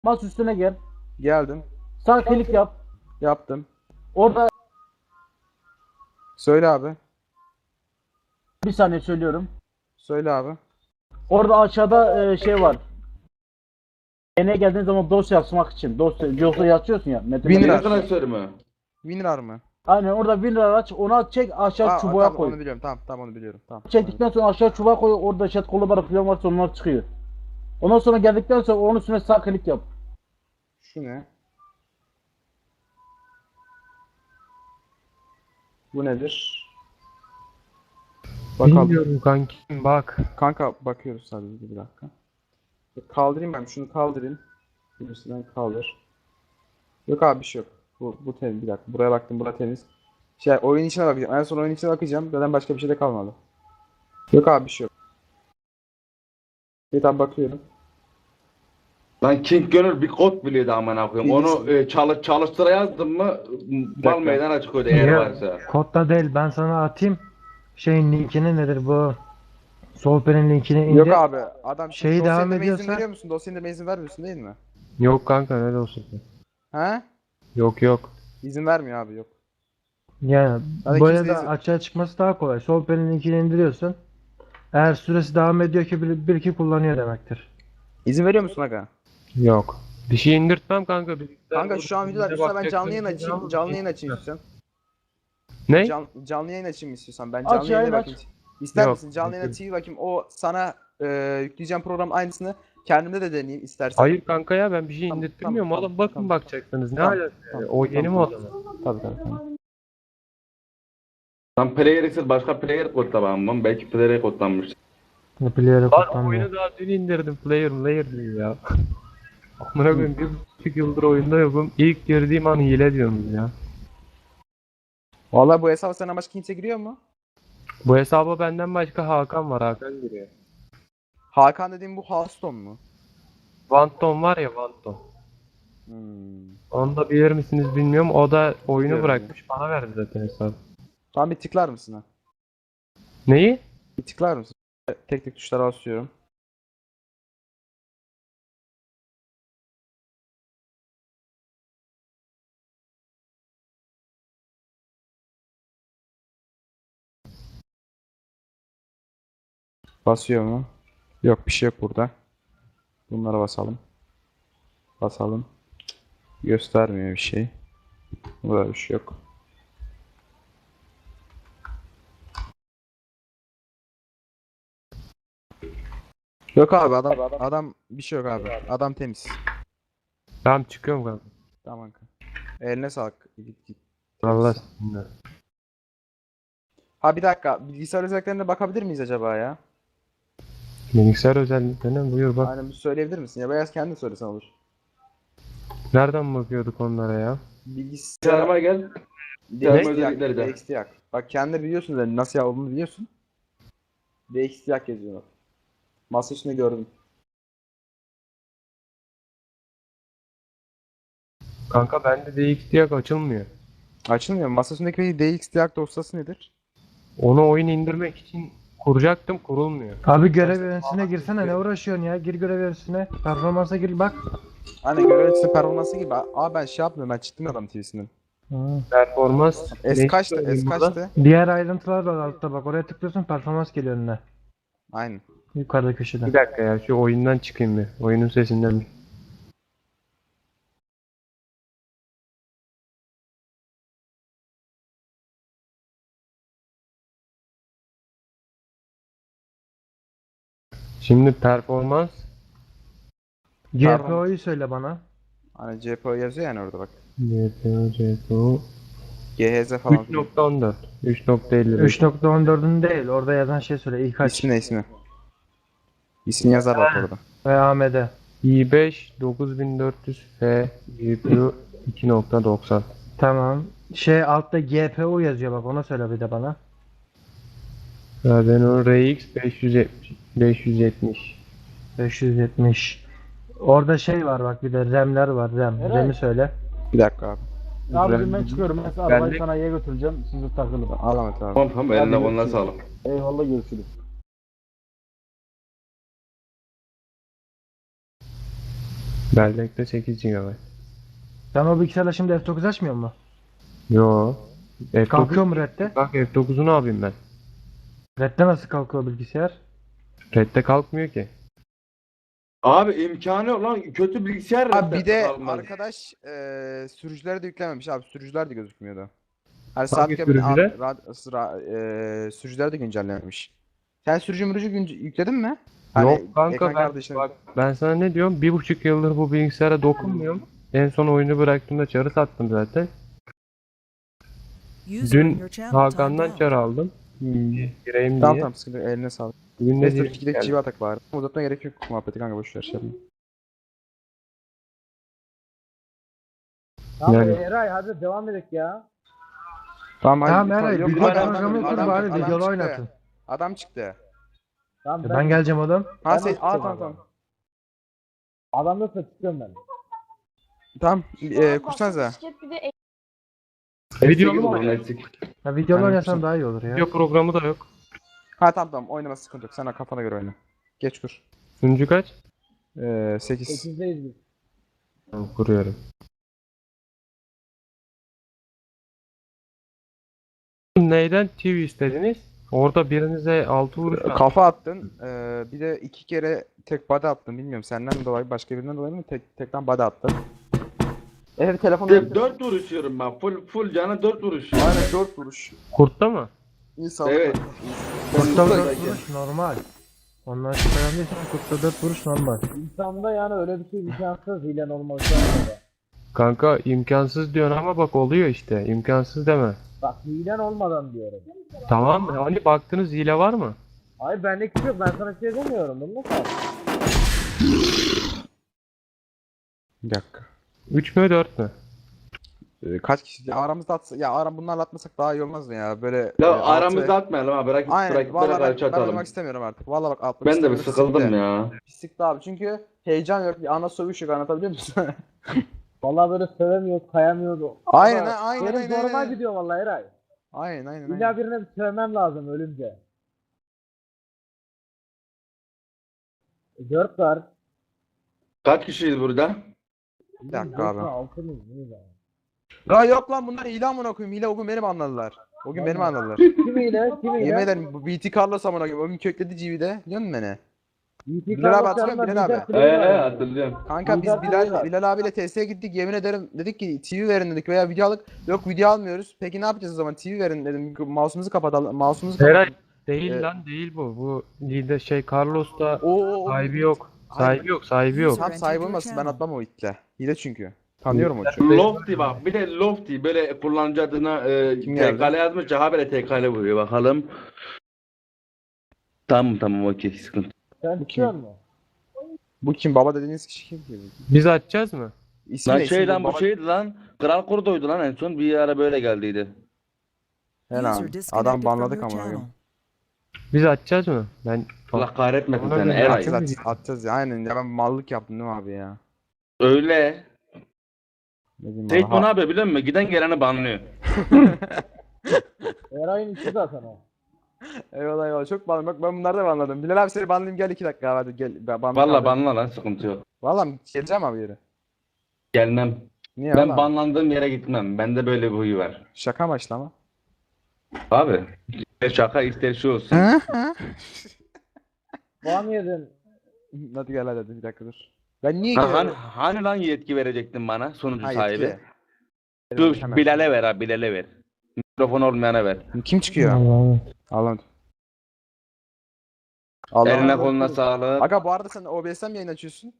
Masa üstüne gel. Geldim. Sağ klik yap. Yaptım. Orada Söyle abi. bir saniye söylüyorum. Söyle abi. Orada aşağıda şey var. Eneye geldiğin zaman dosya açmak için. Dosya açıyorsun ya. Metin Winrar. Metin. Klasör mü? Winrar mı? Aynen orada WinRAR aç. Onu çek aşağı çubuğa Tamam koy. onu biliyorum. Tamam onu biliyorum. Tamam. Çektikten sonra aşağı çubuğa koy. Orada chat kolları falan varsa onlar çıkıyor. Ondan sonra geldikten sonra onun üstüne sağ klik yap. Şu ne? Bu nedir? Bakalım. Bilmiyorum kankim bak. Kanka bakıyoruz sadece bir dakika. Kaldırayım ben şunu kaldırayım. Birisinden kaldır. Yok abi bir şey yok. Bu temiz bir dakika. Buraya baktım bura temiz. Oyun içine bakacağım. En son oyun içine bakacağım. Zaten başka bir şey de kalmadı. Yok abi bir şey yok. Bir tane bakıyorum. Lan King Gönül bir kod biliyordu amına koyayım. Onu çalıştıra yazdım mı mal meydana çıkıyordu eğer Ya, varsa. kodda değil ben sana atayım. Şeyin linkini nedir bu? Sohbetin linkini indir. Yok abi adam Şeyi dosyaya devam indirmeye izin ediyorsa- veriyor musun? Dosyaya indirmeye izin vermiyorsun değil mi? Yok kanka ne olsun. He? Yok. İzin vermiyor abi yok. Yani Hadi böyle kimse de izin- açığa çıkması daha kolay. Sohbetin linkini indiriyorsun. Eğer süresi devam ediyor ki bir iki kullanıyor demektir. İzin veriyor musun aga? Yok. Bir şey indirtmem kanka. Kanka şu an videolar üstüne ben canlı yayın açayım. Canlı yayın açayım istiyorsan. Ne? Canlı yayın açayım istiyorsan. Ben Aç canlı yayına yayın, bakayım. İster Yok, misin? Canlı yayın yok. açayım bakayım. O sana yükleyeceğim program aynısını kendimde de deneyeyim istersen. Hayır kanka ya ben bir şey Tamam, indirtmiyorum tamam, oğlum bakın tamam. bakacaksınız. Ne Tamam, alaka? tamam, O yeni mi tamam. o zaman? Tabii. Lan player ise başka player kodlamam mı? Belki player'e kodlanmış. Player'e Hmm. kodlanmıyor. Lan oyunu daha dün indirdim. Player diyor ya. Amına koyayım 1,5 yıldır oyunda yokum. İlk girdiğim an hile diyorsunuz ya. Vallahi bu hesaba senden başka kimse giriyor mu? Bu hesaba benden başka Hakan var. Hakan giriyor. Hakan dediğim bu Hearthstone mu? Vanton var ya Vanton. Onu da bilir misiniz bilmiyorum. O da oyunu Biliyorum bırakmış. Bana verdi zaten hesabı. Tamam bir tıklar mısın ha? Neyi? Bir tıklar mısın? Tek tek tuşlara basıyorum. Basıyor mu? Yok bir şey yok burada. Bunlara basalım. Basalım. Göstermiyor bir şey. Burada bir şey yok. Yok abi adam bir şey yok abi. Adam temiz. Tamam çıkıyorum kanka. Tamam kanka. Eline sağlık. Git. Allah Temiz. sizinle. Ha bir dakika. Bilgisayar özelliklerine bakabilir miyiz acaba ya? Bilgisayar özelliklerine buyur bak. Aynen bir söyleyebilir misin? Ya beyaz kendi söylesen olur. Nereden bakıyorduk onlara ya? Bilgisayar Yanıma gel. DXT özellikleri de. DXT yak. Bak kendi biliyorsun da nasıl olduğunu biliyorsun. DXT yak yazıyor bak. Masa üstünde gördüm. Kanka bende DXT açılmıyor. Açılmıyor mu? Masa üstündeki DXT yak dosyası nedir? Onu oyun indirmek için kuracaktım kurulmuyor. Abi görev yöneticisine girsene ne uğraşıyorsun ya? Gir görev yöneticisine. Performansa gir bak. Hani görevlisi performansı gibi. Aa ben şey yapmıyorum ben çıktım adam TV'sinden. Performans. S ne kaçtı? söyleyeyim S burada? kaçtı? Diğer ayrıntılar var altta bak. Oraya tıklıyorsun performans geliyor önüne. Aynen. Yukarıda köşede. Bir dakika ya şu oyundan çıkayım bir. Oyunun sesinden bir. Şimdi performans GPO'yu söyle bana. Hani CPO yazıyor yani orada bak. GPU GHZ falan. 3.14 3.55 3.14'ün değil. Orada yazan şey söyle. İlk aç. İsmi ne ismi? İsmi yazar bak orada. Ve AMD. i5 9400F GPU 2.90 Tamam. Şey altta GPU yazıyor bak. Ona söyle bir de bana. Radeon RX 570 570. Orada şey var bak bir de RAM'ler var. RAM. Evet. RAM'i söyle. Bir dakika abi. Abicim ben çıkıyorum. Ben arabayı de- sanayiye götüreceğim. Siz de takılın. Al Ahmet abi. Tamam eline Hadi koluna görüşürüz. sağlık. Eyvallah görüşürüz. Bellekte 8 GB. Sen o bilgisayarla şimdi F9 açmıyor mu? Yo. Kalkıyor F9. mu Red'de? Bak F9'u ne yapayım ben? Red'de nasıl kalkıyor bilgisayar? Red'de kalkmıyor ki. Abi imkanı yok lan. Kötü bilgisayar Abi bir de kalmaz. arkadaş sürücüleri de yüklememiş abi. Sürücüler de gözükmüyordu. Her saat Hangi sürücüler? sürücüler de güncellememiş. Sen sürücü mürücü yükledin mi? Yok kanka ekran ben, kardeşine- bak, ben sana ne diyorum? 1,5 yıldır bu bilgisayara dokunmuyorum. En son oyunu bıraktığımda çarı sattım zaten. Dün Hakan'dan çar aldım. Gireyim Tamam diye. tamam sıkıntı yok, eline sağlık. Bugün ne Neyse diye dur gidelim civa atak var. Uzatmaya gerek yok muhabbeti kanka boşver şey yapma. Tamam Yani- Eray hadi devam edelim ya. Tamam Tamam hadi. Eray Yok, bilgisayar adam- programı adam- kur adam- bari adam videolu çıktı. oynatın. Adam çıktı. Tamam Ben geleceğim oğlum. Ha Ben sen açıyorum tamam abi. tamam. adamla çıkıyorum ben. Tamam kursanıza. Videolu mu Neyse, oynayalım? neyse. Ya videolu Aynen, oynasan güzel. daha iyi olur ya. Video programı da yok. Ha tamam oynama sıkıntı yok. Sen de kafana göre oyna. Geç kur. Sunucu kaç? 8. 8'deyiz biz. Tamam, kuruyorum. Neyden TV istediniz? Orada birinize 6 vuruş attım. Kafa attın. Bir de 2 kere tek body attın. Bilmiyorum senden mi dolayı başka birinden dolayı mı tekten body attın. Evet telefonu. 4 vuruş yiyorum ben. Full cana 4 vuruş. Aynen 4 vuruş. Kurtta mı? İyi sağlık. Evet. Kurtta 4 vuruş normal. Ondan şüphelendiysen kurtta 4 vuruş normal. İnsanda yani öyle bir şey imkansız hilen olması lazım. Kanka imkansız diyorsun ama bak oluyor işte. İmkansız deme. Bak hilen olmadan diyorum. Tamam hani baktınız hile var mı? Hayır benlik bir şey yok ben sana şey demiyorum bunu nasıl? Bir dakika. 3 mü 4 mü? Kaç kişi? Ya aramızda atsa, ya bunlarla atmasak daha iyi olmaz mı ya? Böyle Ya altı aramızda ve- atmayalım ha. Bırak Aynen. rakiplere Vallahi karşı ben atalım. oynamak istemiyorum artık. Vallahi bak atmak Ben de bir istemiyorum. sıkıldım Siktir. ya. Pislikti abi çünkü heyecan yok. Bir ana sövüş yok anlatabiliyor musun? Vallahi böyle sövemiyoruz kayamıyoruz. Aynen, Ama aynen, benim aynen, zoruma aynen. gidiyor vallahi Eray. aynen. İlla birine bir sövmem lazım ölünce. 4 var. Kaç kişiyiz burada? Bir dakika abi. 6 mıyız? Neyiz abi? Ya yok lan bunlar hile amına koyayım. Hile o gün benim anladılar. O gün benim anladılar. Kim hile? Kim hile? Yemin ederim bu BT Carlos amına koyayım. O gün kökledi GV'de. Biliyor musun beni? BT Bilal abi Carlos hatırlıyor musun? yanında Bilal abi. Bilal Kulübü var. Hatırlıyorum. Kanka biz Bilal Bilal, Bilal. Bilal abiyle TS'ye gittik. Yemin ederim dedik ki TV verin dedik veya video aldık. Yok video almıyoruz. Peki ne yapacağız o zaman? TV verin dedim. Mouse'umuzu kapatalım. Mouse'umuzu Eray kapatalım. değil Evet. lan değil bu. Bu lider şey Carlos'ta O. sahibi yok. Sahibi yok, sahibi yok. Tam sahibi olmasın ben atmam o itle. Hile çünkü. Tanıyorum o çocuğu. Lofty bak. Bir de Lofty böyle kullanıcı adına Kim geldi? TK'le yazmış. Habire TK'le vuruyor bakalım. Tamam okey sıkıntı. Sen çıkıyor musun? Bu kim? Baba dediğiniz kişi kim ki? Biz açacağız mı? İsmi Lan ne? şey İsmi lan bu baba- şeydi lan. Kral Kurdo'ydu lan en son. Bir ara böyle geldiydi. He lan. Adam banladık ama. Biz açacağız mı? Ben Allah kahretmesin Ona seni göre Eray. Atacağız ya. Aynen ya ben mallık yaptım değil mi abi ya? Öyle. Ne diyeyim Seyit bana? ne yapıyor biliyor musun? Giden geleni banlıyor. Eray'ın işi zaten o. Eyvallah çok banladım. Bak ben bunları da banladım. Bilal abi seni banlayayım gel 2 dakika hadi gel. Valla banla lan sıkıntı yok. Valla geleceğim abi yere. Gelmem. Niye Ben valla? banlandığım yere gitmem. Bende böyle bir huyu var. Şaka amaçlı ama. Abi. İster şaka ister şey olsun. Puan yedin. Hadi gel hadi bir dakika dur. Ben niye Ha, gidiyorum? hani lan yetki verecektin bana sunucu Ha, sahibi? yetki. Şu Hemen. Bilal'e ver abi Bilal'e ver. Mikrofon olmayana ver. Kim çıkıyor? Allah'ım. Allah'ım. Allah Eline Allah. koluna sağlık. Aga bu arada sen OBS'ten mi yayın açıyorsun?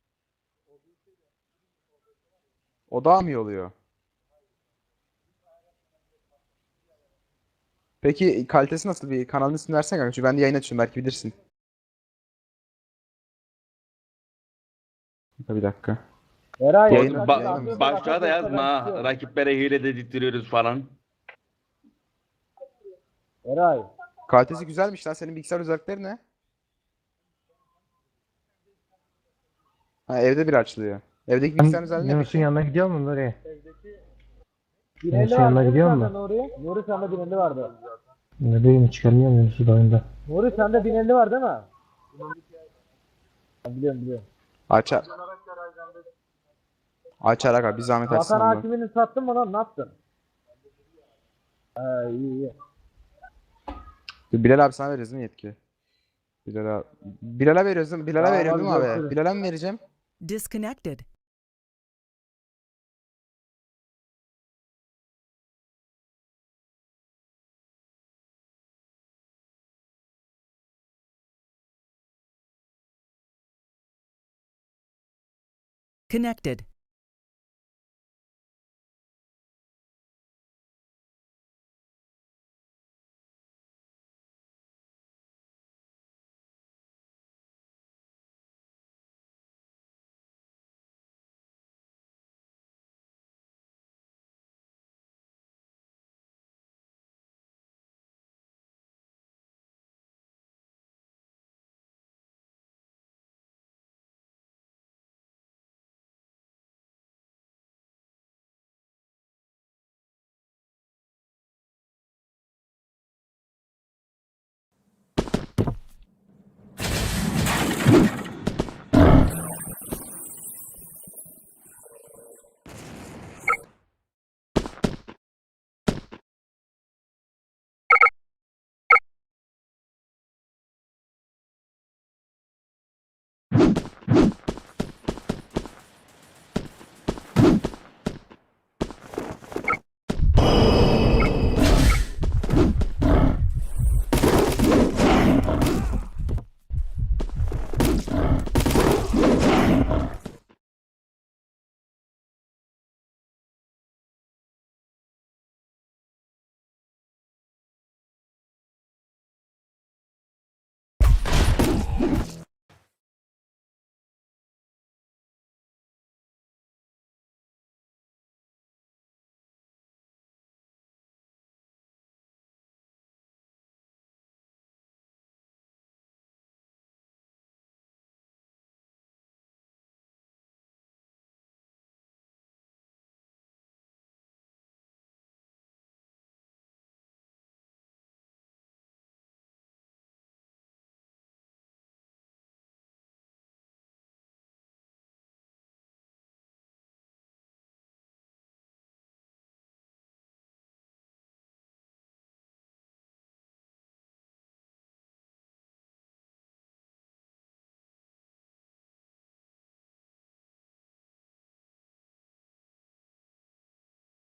O daha mı iyi oluyor? Peki kalitesi nasıl bir kanalın ismini versene kanka. Çünkü ben de yayın açıyorum belki bilirsin. Bir dakika. Eray Yayın- hadi ba- atıyorsun, Başlığa da atıyorsun, yazma ben ha. çıkıyorum. Rakiplere hile dedirtiyoruz falan. Eray. Kalitesi güzelmiş lan. Senin bilgisayar özellikleri ne? Ha evde bir açılıyor. Evdeki bilgisayar özelliği ne Yunus'un peki? yanına gidiyor mu oraya? Binelli Sen yanına vardı gidiyor sende musun? Nuri. Nuri sende binelli vardı. Ne bileyim çıkarmıyor mu Yunus'u da oyunda? Nuri sende binelli var değil mi? Ben biliyorum. Açar. Açar aga bir zahmet açsın Vatan onu. hakimini sattın mı lan? Ne yaptın? İyi iyi. Bilal abi sana veririz mi yetki? Bilal'e veriyoruz değil mi? Bilal'e Tamam, veriyorum değil mi hadi abi? görüşürüz. Bilal'e mi vereceğim? Disconnected. Connected.